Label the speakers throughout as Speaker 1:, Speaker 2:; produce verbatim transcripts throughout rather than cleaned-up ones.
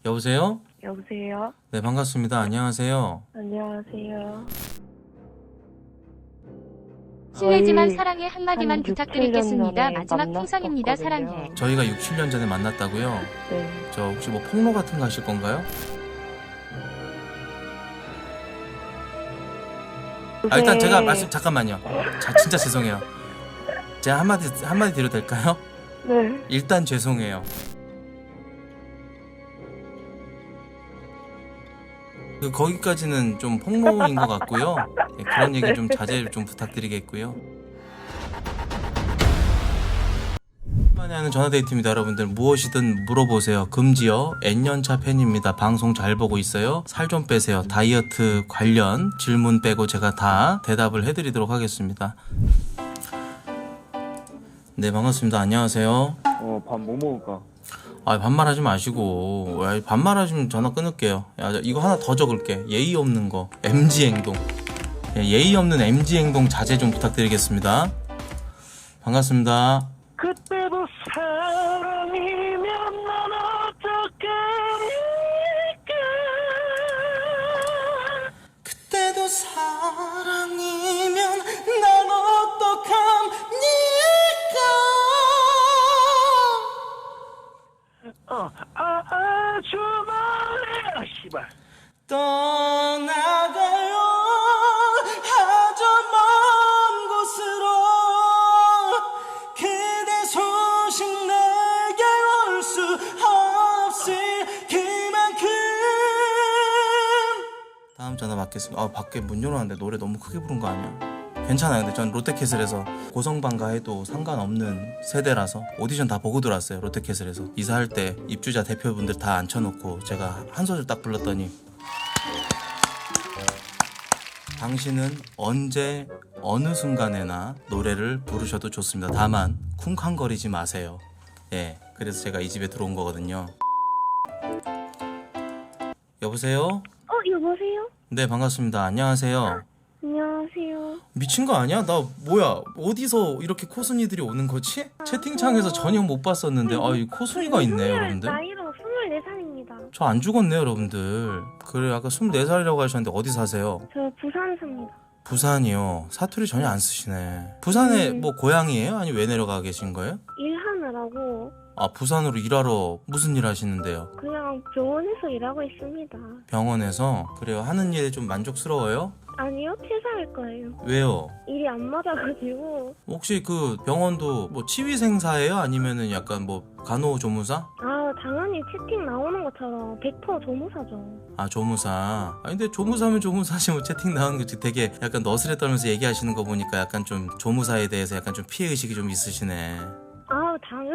Speaker 1: 여보세요?
Speaker 2: 여보세요?
Speaker 1: 네, 반갑습니다. 안녕하세요.
Speaker 2: 안녕하세요.
Speaker 3: 실례지만
Speaker 2: 저희
Speaker 3: 사랑해 한마디만
Speaker 2: 한
Speaker 3: 부탁드리겠습니다.
Speaker 2: 육, 칠 년
Speaker 3: 마지막
Speaker 2: 전에
Speaker 3: 풍선입니다.
Speaker 2: 만났었거든요.
Speaker 3: 사랑해.
Speaker 1: 저희가 육, 칠 년 전에 만났다고요?
Speaker 2: 네.
Speaker 1: 저 혹시 뭐 폭로 같은 거 하실 건가요? 아, 일단 제가 말씀 잠깐만요. 자, 진짜 죄송해요. 제가 한마디 한마디 드려도 될까요?
Speaker 2: 네.
Speaker 1: 일단 죄송해요. 그 거기까지는 좀 폭로인 것 같고요. 네, 그런 얘기 좀 자제 좀 부탁드리겠고요. 만에 하는 전화데이트입니다. 여러분들 무엇이든 물어보세요. 금지요. N년차 팬입니다. 방송 잘 보고 있어요. 살 좀 빼세요. 다이어트 관련 질문 빼고 제가 다 대답을 해드리도록 하겠습니다. 네, 반갑습니다. 안녕하세요.
Speaker 4: 어, 밥 뭐 먹을까?
Speaker 1: 아, 반말하지 마시고. 야, 반말하시면 전화 끊을게요. 야, 이거 하나 더 적을게. 예의 없는 거. 엠지 행동. 예, 예의 없는 엠지 행동 자제 좀 부탁드리겠습니다. 반갑습니다.
Speaker 4: 그때도 사랑이면 난 어떡합니까?
Speaker 1: 그때도 사랑이면 난 어떡합니까?
Speaker 4: 어, 아, 아주 멀리, 아, 씨발.
Speaker 1: 떠나가요 아주 먼 곳으로 그대 소식 내게 올 수 없을 그만큼. 다음 전화 받겠습니다. 아, 밖에 문 열어놨는데 노래 너무 크게 부른 거 아니야? 괜찮아요. 근데 전 롯데캐슬에서 고성방가 해도 상관없는 세대라서 오디션 다 보고 들어왔어요. 롯데캐슬에서 이사할 때 입주자 대표분들 다 앉혀놓고 제가 한 소절 딱 불렀더니 당신은 언제 어느 순간에나 노래를 부르셔도 좋습니다. 다만 쿵쾅거리지 마세요. 예, 그래서 제가 이 집에 들어온 거거든요. 여보세요?
Speaker 2: 어, 여보세요?
Speaker 1: 네, 반갑습니다. 안녕하세요.
Speaker 2: 안녕하세요.
Speaker 1: 미친 거 아니야? 나 뭐야? 어디서 이렇게 코순이들이 오는 거지? 채팅창에서 전혀 못 봤었는데 아, 이 코순이가 있네, 여러분들.
Speaker 2: 나이로 스물네 살입니다.
Speaker 1: 저 안 죽었네, 여러분들. 그래, 아까 스물네 살이라고 하셨는데 어디 사세요?
Speaker 2: 저 부산 삽니다.
Speaker 1: 부산이요. 사투리 전혀 안 쓰시네. 부산에
Speaker 2: 음.
Speaker 1: 뭐 고향이에요? 아니 왜 내려가 계신 거예요?
Speaker 2: 일하느라고
Speaker 1: 아, 부산으로 일하러 무슨 일 하시는데요?
Speaker 2: 그냥 병원에서 일하고 있습니다.
Speaker 1: 병원에서? 그래요. 하는 일에 좀 만족스러워요?
Speaker 2: 아니요, 퇴사할 거예요.
Speaker 1: 왜요?
Speaker 2: 일이 안 맞아가지고.
Speaker 1: 혹시 그 병원도 뭐 치위생사예요? 아니면은 약간 뭐 간호조무사?
Speaker 2: 아, 당연히 채팅 나오는 것처럼 백 퍼센트 조무사죠.
Speaker 1: 아, 조무사. 아, 근데 조무사면 조무사지 뭐 채팅 나오는 거 되게 약간 너스레 떨면서 얘기하시는 거 보니까 약간 좀 조무사에 대해서 약간 좀 피해의식이 좀 있으시네.
Speaker 2: 아, 당연히.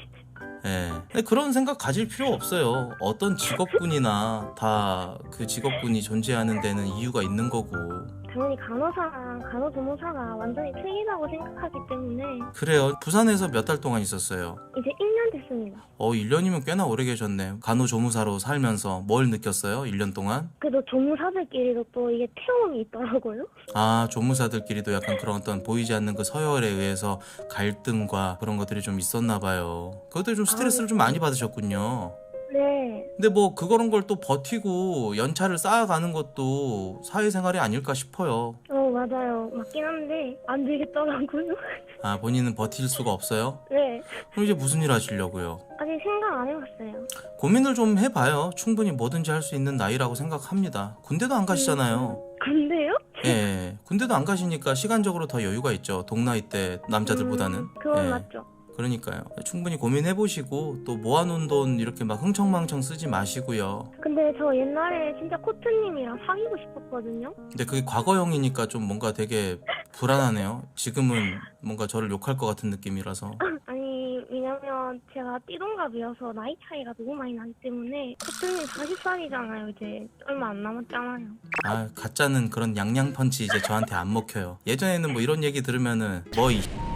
Speaker 1: 예. 근데 그런 생각 가질 필요 없어요. 어떤 직업군이나 다 그 직업군이 존재하는 데는 이유가 있는 거고.
Speaker 2: 당연히 간호사랑 간호조무사가 완전히 틀리다고 생각하기 때문에
Speaker 1: 그래요. 부산에서 몇 달 동안 있었어요?
Speaker 2: 이제 일 년 됐습니다.
Speaker 1: 어, 일 년이면 꽤나 오래 계셨네. 간호조무사로 살면서 뭘 느꼈어요? 일 년 동안?
Speaker 2: 그래도 조무사들끼리도 또 이게 태움이 있더라고요.
Speaker 1: 아, 조무사들끼리도 약간 그런 어떤 보이지 않는 그 서열에 의해서 갈등과 그런 것들이 좀 있었나 봐요. 그것들 좀 스트레스를 좀 많이 받으셨군요.
Speaker 2: 네.
Speaker 1: 근데 뭐 그런 걸 또 버티고 연차를 쌓아가는 것도 사회생활이 아닐까 싶어요.
Speaker 2: 어, 맞아요. 맞긴 한데 안 되겠더라고요.
Speaker 1: 아, 본인은 버틸 수가 없어요?
Speaker 2: 네.
Speaker 1: 그럼 이제 무슨 일 하시려고요?
Speaker 2: 아직 생각 안 해봤어요.
Speaker 1: 고민을 좀 해봐요. 충분히 뭐든지 할 수 있는 나이라고 생각합니다. 군대도 안 가시잖아요.
Speaker 2: 근데요?
Speaker 1: 예, 군대도 안 가시니까 시간적으로 더 여유가 있죠. 동나이 때 남자들보다는.
Speaker 2: 음, 그건
Speaker 1: 예.
Speaker 2: 맞죠.
Speaker 1: 그러니까요. 충분히 고민해보시고 또 모아놓은 돈 이렇게 막 흥청망청 쓰지 마시고요.
Speaker 2: 근데 저 옛날에 진짜 코트님이랑 사귀고 싶었거든요.
Speaker 1: 근데 그게 과거형이니까 좀 뭔가 되게 불안하네요. 지금은 뭔가 저를 욕할 것 같은 느낌이라서.
Speaker 2: 아니, 왜냐면 제가 띠동갑이어서 나이 차이가 너무 많이 나기 때문에 코트님 사십 살이잖아요. 이제 얼마 안 남았잖아요.
Speaker 1: 아, 가짜는 그런 양양펀치 이제 저한테 안 먹혀요. 예전에는 뭐 이런 얘기 들으면은 뭐 이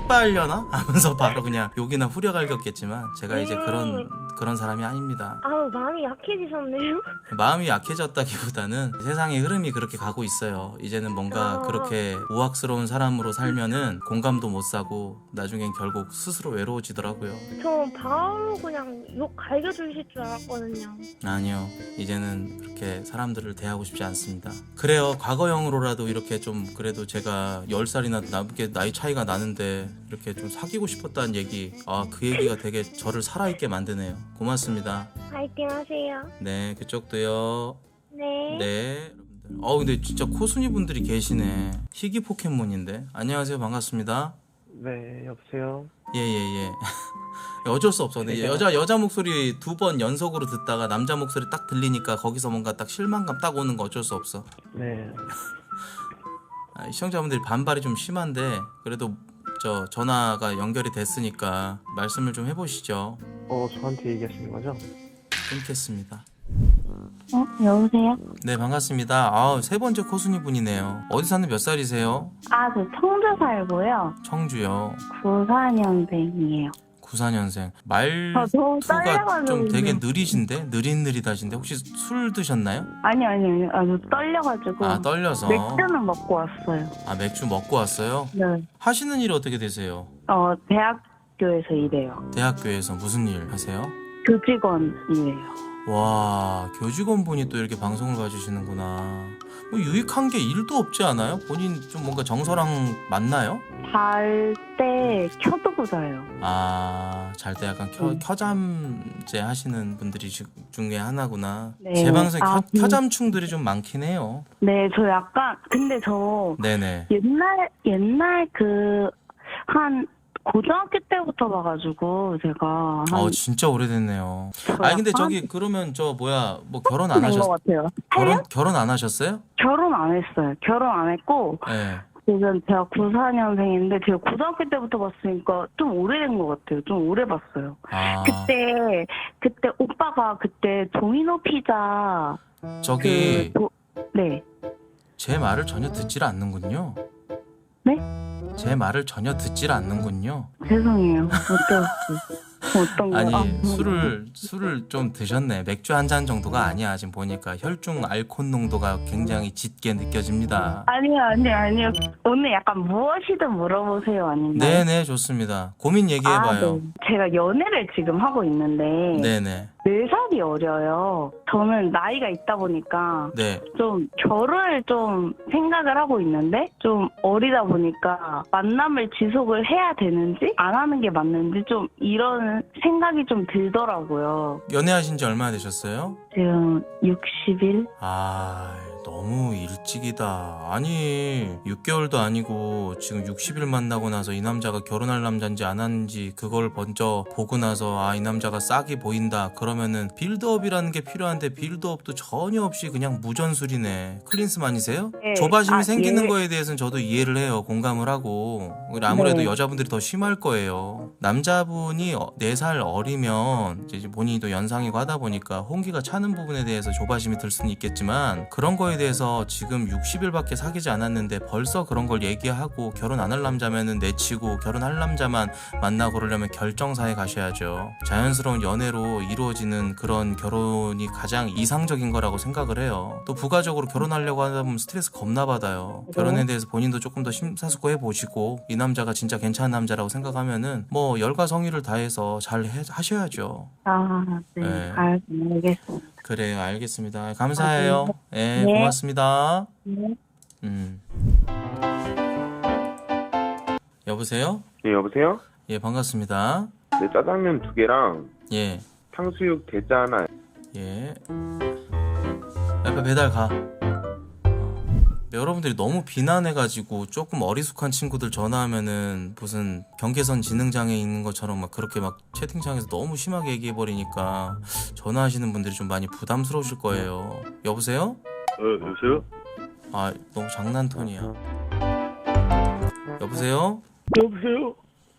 Speaker 1: 씨발려나 하면서 바로 그냥 욕이나 후려갈겼겠지만 제가 이제
Speaker 2: 음.
Speaker 1: 그런 그런 사람이 아닙니다.
Speaker 2: 아우, 마음이 약해지셨네요.
Speaker 1: 마음이 약해졌다기보다는 세상의 흐름이 그렇게 가고 있어요. 이제는 뭔가
Speaker 2: 아.
Speaker 1: 그렇게 우악스러운 사람으로 살면은 공감도 못 사고 나중엔 결국 스스로 외로워지더라고요.
Speaker 2: 저 바로 그냥 욕 갈겨주실 줄 알았거든요.
Speaker 1: 아니요, 이제는 그렇게 사람들을 대하고 싶지 않습니다. 그래요, 과거형으로라도 이렇게 좀 그래도 제가 열 살이나 남게 나이 차이가 나는데 이렇게 좀 사귀고 싶었다는 얘기, 아, 그 얘기가 되게 저를 살아있게 만드네요. 고맙습니다.
Speaker 2: 파이팅 하세요.
Speaker 1: 네, 그쪽도요.
Speaker 2: 네.
Speaker 1: 네, 여러분들. 어, 근데 진짜 코순이 분들이 계시네. 희귀 포켓몬인데. 안녕하세요, 반갑습니다.
Speaker 4: 네, 여보세요?
Speaker 1: 예예예. 어쩔 수 없어. 근데 여자 여자 목소리 두 번 연속으로 듣다가 남자 목소리 딱 들리니까 거기서 뭔가 딱 실망감 딱 오는 거 어쩔 수 없어.
Speaker 4: 네.
Speaker 1: 아, 시청자분들이 반발이 좀 심한데 그래도 저 전화가 연결이 됐으니까 말씀을 좀 해보시죠.
Speaker 4: 어, 저한테 얘기하시는 거죠?
Speaker 1: 끊겠습니다.
Speaker 5: 어, 여보세요?
Speaker 1: 네, 반갑습니다. 아, 세 번째 코순이 분이네요. 어디 사는 몇 살이세요?
Speaker 5: 아, 저 청주 살고요.
Speaker 1: 청주요.
Speaker 5: 구사 년생이에요.
Speaker 1: 구사 년생.
Speaker 5: 저 너무
Speaker 1: 말투가
Speaker 5: 떨려가지고.
Speaker 1: 좀 되게
Speaker 5: 지금.
Speaker 1: 느리신데? 느릿느릿하신데? 혹시 술 드셨나요?
Speaker 5: 아니, 아니, 아니. 아, 저 떨려가지고.
Speaker 1: 아, 떨려서.
Speaker 5: 맥주는 먹고 왔어요.
Speaker 1: 아, 맥주 먹고 왔어요?
Speaker 5: 네.
Speaker 1: 하시는 일이 어떻게 되세요?
Speaker 5: 어, 대학교에서 일해요.
Speaker 1: 대학교에서 무슨 일 하세요?
Speaker 5: 교직원이에요.
Speaker 1: 와, 교직원분이 또 이렇게 방송을 봐주시는구나. 뭐 유익한 게 일도 없지 않아요? 본인 좀 뭔가 정서랑 맞나요?
Speaker 5: 잘 때 켜두고 자요.
Speaker 1: 아, 잘 때 약간 켜,
Speaker 5: 음.
Speaker 1: 켜잠제 하시는 분들이 주- 중에 하나구나.
Speaker 5: 네.
Speaker 1: 제 방송에
Speaker 5: 아,
Speaker 1: 켜,
Speaker 5: 음.
Speaker 1: 켜잠충들이 좀 많긴 해요.
Speaker 5: 네, 저 약간, 근데 저
Speaker 1: 네네.
Speaker 5: 옛날, 옛날 그, 한, 고등학교 때부터 봐가지고, 제가. 한,
Speaker 1: 어, 진짜 오래됐네요.
Speaker 5: 저
Speaker 1: 아니, 근데
Speaker 5: 약간
Speaker 1: 저기, 그러면 저, 뭐야, 뭐 결혼 안
Speaker 5: 된
Speaker 1: 하셨,
Speaker 5: 것 같아요.
Speaker 1: 결혼, 결혼 안 하셨어요?
Speaker 5: 결혼 안 했어요. 결혼 안 했고,
Speaker 1: 네.
Speaker 5: 지금 제가 구사 년생인데, 제가 고등학교 때부터 봤으니까 좀 오래된 것 같아요. 좀 오래 봤어요.
Speaker 1: 아,
Speaker 5: 그때, 그때 오빠가 그때 도미노 피자,
Speaker 1: 저기,
Speaker 5: 그, 도, 네.
Speaker 1: 제 말을 전혀 듣질 않는군요.
Speaker 5: 네?
Speaker 1: 제 말을 전혀 듣질 않는군요.
Speaker 5: 죄송해요. 어떤, 어떤 거.
Speaker 1: 아니,
Speaker 5: 아,
Speaker 1: 술을 술을 좀 드셨네. 맥주 한 잔 정도가 아니야. 지금 보니까 혈중 알코올 농도가 굉장히 짙게 느껴집니다.
Speaker 5: 아니요, 아니요, 아니요. 오늘 약간 무엇이든 물어보세요, 아니면.
Speaker 1: 네네, 좋습니다. 고민 얘기해봐요.
Speaker 5: 아, 네. 제가 연애를 지금 하고 있는데,
Speaker 1: 네네.
Speaker 5: 네 살이 어려요. 저는 나이가 있다 보니까,
Speaker 1: 네.
Speaker 5: 좀 결혼을 좀 생각을 하고 있는데 좀 어리다 보니까 만남을 지속을 해야 되는지 안 하는 게 맞는지 좀 이런 생각이 좀 들더라고요.
Speaker 1: 연애하신 지 얼마나 되셨어요?
Speaker 5: 지금 육십 일?
Speaker 1: 아, 너무 일찍이다. 아니, 육 개월도 아니고 지금 육십 일 만나고 나서 이 남자가 결혼할 남자인지 안 하는지 그걸 먼저 보고 나서 아, 이 남자가 싹이 보인다. 그러면은 빌드업이라는 게 필요한데 빌드업도 전혀 없이 그냥 무전술이네. 클린스만이세요?
Speaker 5: 네.
Speaker 1: 조바심이
Speaker 5: 아,
Speaker 1: 생기는
Speaker 5: 예.
Speaker 1: 거에 대해서는 저도 이해를 해요. 공감을 하고. 아무래도
Speaker 5: 네.
Speaker 1: 여자분들이 더 심할 거예요. 남자분이 네 살 어리면 이제 본인이 또 연상이고 하다 보니까 홍기가 차는 부분에 대해서 조바심이 들 수는 있겠지만 그런 거에 대해서 지금 육십 일밖에 사귀지 않았는데 벌써 그런 걸 얘기하고 결혼 안 할 남자면은 내치고 결혼할 남자만 만나고 그러려면 결정사에 가셔야죠. 자연스러운 연애로 이루어지는 그런 결혼이 가장 이상적인 거라고 생각을 해요. 또 부가적으로 결혼하려고 하다 보면 스트레스 겁나 받아요. 결혼에 대해서 본인도 조금 더 심사숙고해 보시고 이 남자가 진짜 괜찮은 남자라고 생각하면은 뭐 열과 성의를 다해서 잘 해, 하셔야죠.
Speaker 5: 아, 네.
Speaker 1: 네.
Speaker 5: 알- 알겠습니다.
Speaker 1: 그래요, 알겠습니다. 감사해요. 예,
Speaker 5: 네.
Speaker 1: 고맙습니다.
Speaker 5: 네.
Speaker 1: 음. 여보세요?
Speaker 4: 예, 여보세요?
Speaker 1: 예, 반갑습니다.
Speaker 4: 네, 짜장면 두 개랑
Speaker 1: 예,
Speaker 4: 탕수육 대짜 하나.
Speaker 1: 예. 약간 배달 가. 어. 여러분들이 너무 비난해가지고 조금 어리숙한 친구들 전화하면은 무슨 경계선 지능장애 있는 것처럼 막 그렇게 막 채팅창에서 너무 심하게 얘기해버리니까 전화하시는 분들이 좀 많이 부담스러우실 거예요. 여보세요?
Speaker 4: 어, 여보세요?
Speaker 1: 아, 너무 장난 톤이야. 여보세요?
Speaker 4: 여보세요?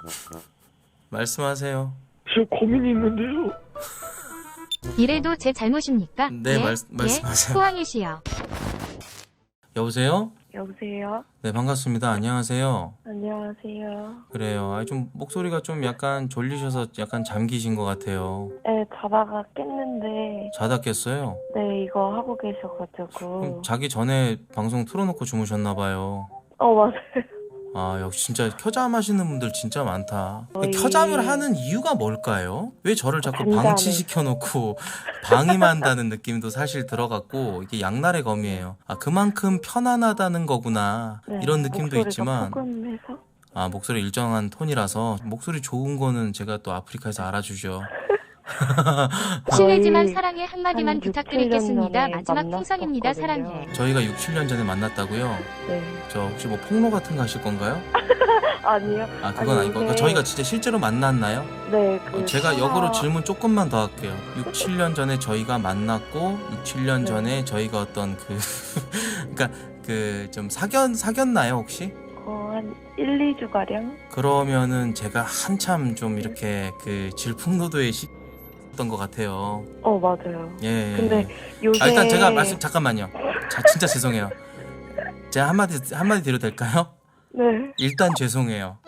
Speaker 1: 말씀하세요.
Speaker 4: 저 고민이 있는데요.
Speaker 3: 이래도 제 잘못입니까?
Speaker 1: 네,
Speaker 3: 예?
Speaker 1: 말-
Speaker 3: 예?
Speaker 1: 말씀하세요.
Speaker 3: 호황이시여.
Speaker 1: 여보세요?
Speaker 2: 여보세요?
Speaker 1: 네, 반갑습니다. 안녕하세요.
Speaker 2: 안녕하세요.
Speaker 1: 그래요. 아, 좀 목소리가 좀 약간 졸리셔서 약간 잠기신 것 같아요.
Speaker 2: 네, 자다가 깼는데,
Speaker 1: 자다 깼어요?
Speaker 2: 네, 이거 하고
Speaker 1: 그럼
Speaker 2: 계셔가지고.
Speaker 1: 자기 전에 방송 틀어놓고 주무셨나 봐요.
Speaker 2: 어, 맞아요.
Speaker 1: 아, 역시 진짜 켜잠 하시는 분들 진짜 많다.
Speaker 2: 거의-
Speaker 1: 켜잠을 하는 이유가 뭘까요? 왜 저를 자꾸
Speaker 2: 잠잠을.
Speaker 1: 방치시켜놓고 방임한다는 느낌도 사실 들어갔고, 이게 양날의 검이에요. 아, 그만큼 편안하다는 거구나.
Speaker 2: 네,
Speaker 1: 이런 느낌도
Speaker 2: 목소리가
Speaker 1: 있지만,
Speaker 2: 포근해서.
Speaker 1: 아, 목소리 일정한 톤이라서 목소리 좋은 거는 제가 또 아프리카에서 알아주죠.
Speaker 3: 실례지만
Speaker 2: 거의
Speaker 3: 사랑의 한마디만
Speaker 2: 한 육,
Speaker 3: 부탁드리겠습니다.
Speaker 2: 칠 년 전에
Speaker 3: 마지막 풍선입니다.
Speaker 2: 만났었거든요.
Speaker 3: 사랑해.
Speaker 1: 저희가 육, 칠 년 전에 만났다고요?
Speaker 2: 네.
Speaker 1: 저 혹시 뭐 폭로 같은 거 하실 건가요?
Speaker 2: 아니요.
Speaker 1: 아, 그건
Speaker 2: 아니,
Speaker 1: 아니고.
Speaker 2: 이게-
Speaker 1: 저희가 진짜 실제로 만났나요?
Speaker 2: 네, 그.
Speaker 1: 어, 제가
Speaker 2: 하나-
Speaker 1: 역으로 질문 조금만 더 할게요. 육, 칠 년 전에 저희가 만났고 육, 칠 년
Speaker 2: 네.
Speaker 1: 전에 저희가 어떤 그 그러니까 그 좀 사귀었 사귀었나요, 혹시?
Speaker 2: 어, 한 일, 이 주가량?
Speaker 1: 그러면은 제가 한참 좀 이렇게 그 질풍노도의 시였던 것 같아요.
Speaker 2: 어, 맞아요.
Speaker 1: 예.
Speaker 2: 근데 요새.
Speaker 1: 아, 일단 제가 말씀 잠깐만요. 자, 진짜 죄송해요. 제가 한마디 한마디 드려도 될까요?
Speaker 2: 네.
Speaker 1: 일단 죄송해요.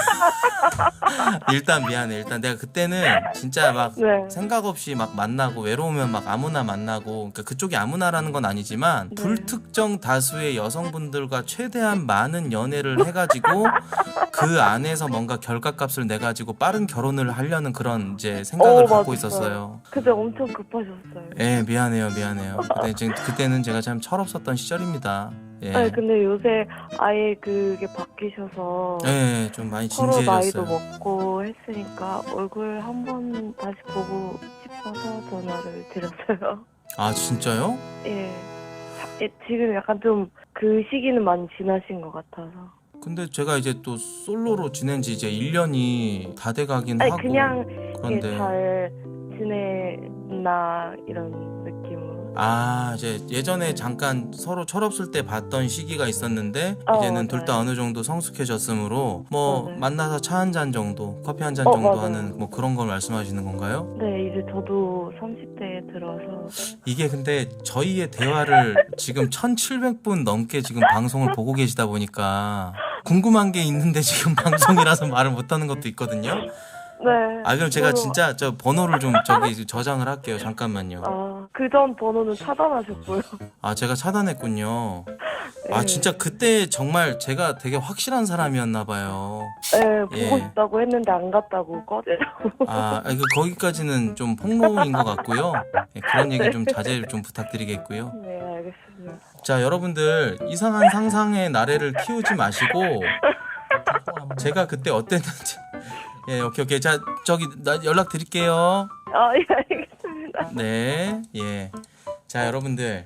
Speaker 1: 일단 미안해. 일단 내가 그때는 진짜 막
Speaker 2: 네.
Speaker 1: 생각 없이 막 만나고 외로우면 막 아무나 만나고, 그러니까 그쪽이 아무나라는 건 아니지만
Speaker 2: 네.
Speaker 1: 불특정 다수의 여성분들과 최대한 많은 연애를 해가지고 그 안에서 뭔가 결과값을 내 가지고 빠른 결혼을 하려는 그런 이제 생각을
Speaker 2: 어,
Speaker 1: 갖고
Speaker 2: 맞았어요.
Speaker 1: 있었어요.
Speaker 2: 그때 엄청 급하셨어요.
Speaker 1: 예, 미안해요, 미안해요. 그때 지금 그때는 제가 참 철없었던 시절입니다. 예,
Speaker 2: 네, 근데 요새 아예 그게 바뀌셔서
Speaker 1: 예, 좀 많이
Speaker 2: 서로 나이도
Speaker 1: 진지해졌어요.
Speaker 2: 먹고 했으니까 얼굴 한번 다시 보고 싶어서 전화를 드렸어요.
Speaker 1: 아, 진짜요?
Speaker 2: 예. 자- 예, 지금 약간 좀 그 시기는 많이 지나신 것 같아서.
Speaker 1: 근데 제가 이제 또 솔로로 지낸 지 이제 일 년이 다 돼가긴
Speaker 2: 아니
Speaker 1: 하고
Speaker 2: 그냥
Speaker 1: 그런데
Speaker 2: 이게 잘 지내나 이런 느낌으로.
Speaker 1: 아, 이제 예전에 잠깐 서로 철없을 때 봤던 시기가 있었는데
Speaker 2: 어,
Speaker 1: 이제는 둘 다
Speaker 2: 맞아요.
Speaker 1: 어느 정도 성숙해졌으므로 뭐
Speaker 2: 맞아요.
Speaker 1: 만나서 차 한 잔 정도, 커피 한 잔
Speaker 2: 어,
Speaker 1: 정도
Speaker 2: 맞아요.
Speaker 1: 하는 뭐 그런 걸 말씀하시는 건가요?
Speaker 2: 네, 이제 저도 삼십 대에 들어서.
Speaker 1: 이게 근데 저희의 대화를 지금 천칠백 분 넘게 지금 방송을 보고 계시다 보니까 궁금한 게 있는데 지금 방송이라서 말을 못 하는 것도 있거든요.
Speaker 2: 네.
Speaker 1: 아, 그럼 제가
Speaker 2: 저도-
Speaker 1: 진짜 저 번호를 좀 저기 저장을 할게요. 잠깐만요.
Speaker 2: 아, 그전 번호는 차단하셨고요.
Speaker 1: 아, 제가 차단했군요. 아,
Speaker 2: 네.
Speaker 1: 진짜 그때 정말 제가 되게 확실한 사람이었나 봐요.
Speaker 2: 네, 보고
Speaker 1: 예.
Speaker 2: 싶다고 했는데 안 갔다고 꺼내라고.
Speaker 1: 아, 그 거기까지는 좀 폭로인 것 같고요. 예, 그런 얘기 좀 자제 좀 부탁드리겠고요.
Speaker 2: 네, 알겠습니다.
Speaker 1: 자, 여러분들 이상한 상상의 나래를 키우지 마시고 제가 그때 어땠는지. 예, 오케이 오케이. 자, 저기 나 연락 드릴게요.
Speaker 2: 아, 예, 알겠습니다.
Speaker 1: 네, 예. 자, 여러분들.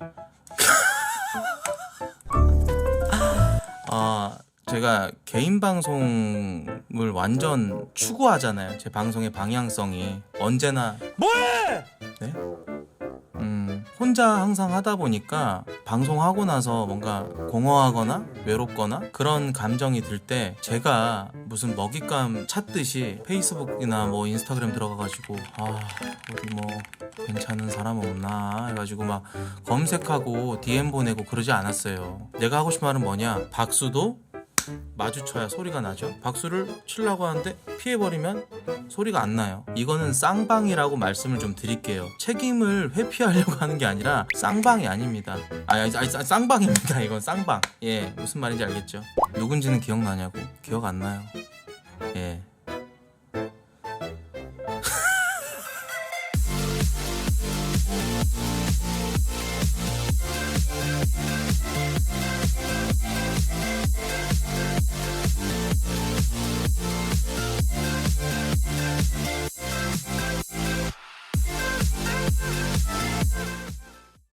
Speaker 1: 아, 제가 개인 방송을 완전 추구하잖아요. 제 방송의 방향성이 언제나. 뭐해? 네? 음, 혼자 항상 하다 보니까 방송하고 나서 뭔가 공허하거나 외롭거나 그런 감정이 들 때 제가 무슨 먹잇감 찾듯이 페이스북이나 뭐 인스타그램 들어가가지고 아, 어디 뭐 괜찮은 사람 없나 해가지고 막 검색하고 디엠 보내고 그러지 않았어요. 내가 하고 싶은 말은 뭐냐, 박수도 마주쳐야 소리가 나죠. 박수를 치려고 하는데 피해버리면 소리가 안 나요. 이거는 쌍방이라고 말씀을 좀 드릴게요. 책임을 회피하려고 하는 게 아니라 쌍방이 아닙니다. 아니, 아니, 아니 쌍방입니다. 이건 쌍방. 예, 무슨 말인지 알겠죠? 누군지는 기억나냐고? 기억 안 나요. 예.